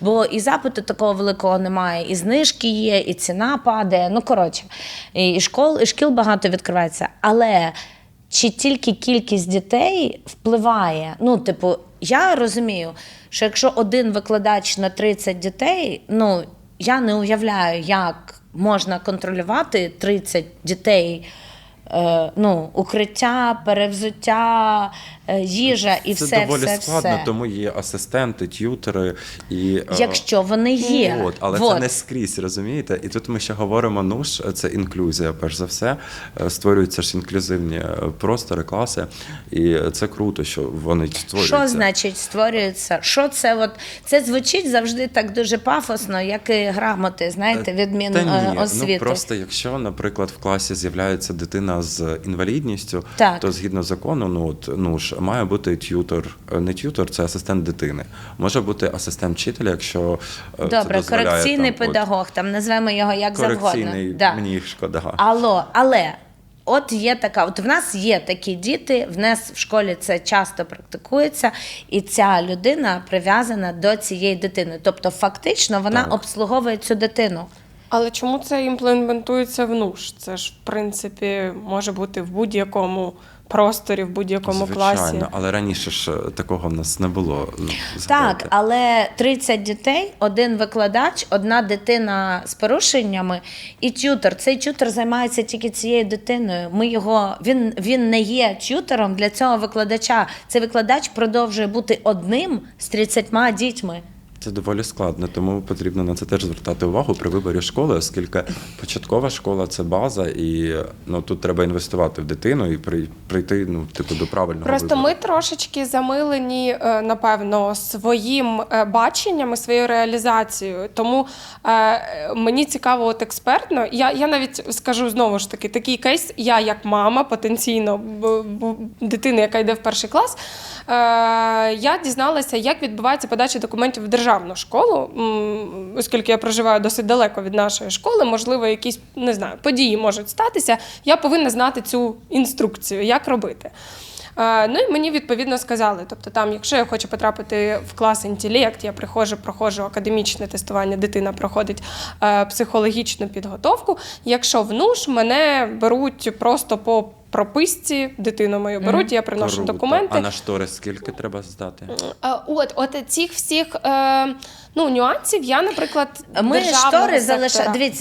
бо і запиту такого великого немає, і знижки є, і ціна падає. Ну, коротше, і шкіл багато відкривається. Але чи тільки кількість дітей впливає? Ну, типу, я розумію, що якщо один викладач на 30 дітей, ну, я не уявляю, як можна контролювати 30 дітей, ну, укриття, перевзуття, їжа і все. Це доволі складно, тому є асистенти, т'ютери. Якщо вони є. Але це не скрізь, розумієте? І тут ми ще говоримо, це інклюзія, перш за все. Створюються ж інклюзивні простори, класи, і це круто, що вони створюються. Що значить створюються? Що це? От, це звучить завжди так дуже пафосно, як і грамоти, знаєте, від Міносвіти. Ну, просто якщо, наприклад, в класі з'являється дитина з інвалідністю, то згідно закону, має бути т'ютор, не т'ютор, це асистент дитини. Може бути асистент вчителя, якщо це дозволяє. Корекційний педагог, там назвемо його як завгодно. Корекційний, мені їх шкода. Але от є така, от в нас є такі діти, в нас в школі це часто практикується, і ця людина прив'язана до цієї дитини. Тобто фактично вона обслуговує цю дитину. Але чому це імплементується в НУШ? Це ж, в принципі, може бути в будь-якому просторі, в будь-якому класі. Звичайно, але раніше ж такого в нас не було. Так, але 30 дітей, один викладач, одна дитина з порушеннями і т'ютор. Цей т'ютор займається тільки цією дитиною. Він не є т'ютором для цього викладача. Цей викладач продовжує бути одним з 30 дітьми. Це доволі складно, тому потрібно на це теж звертати увагу при виборі школи, оскільки початкова школа – це база, і тут треба інвестувати в дитину і прийти до правильного Просто вибору. ми трошечки замилені, напевно, своїм баченням і своєю реалізацією. Тому мені цікаво от експертно, я навіть скажу знову ж таки, такий кейс, я як мама потенційно дитини, яка йде в перший клас, я дізналася, як відбувається подача документів в державну школу, оскільки я проживаю досить далеко від нашої школи, можливо, якісь, не знаю, події можуть статися, я повинна знати цю інструкцію, як робити. Ну і мені відповідно сказали, тобто там, якщо я хочу потрапити в клас інтелект, я проходжу академічне тестування, дитина проходить психологічну підготовку, якщо в НУШ мене беруть просто по прописці, дитину мою беруть, я приношу документи. А на штори скільки треба здати? От цих всіх нюансів я, наприклад, ми штори залишаємо. Дивіться,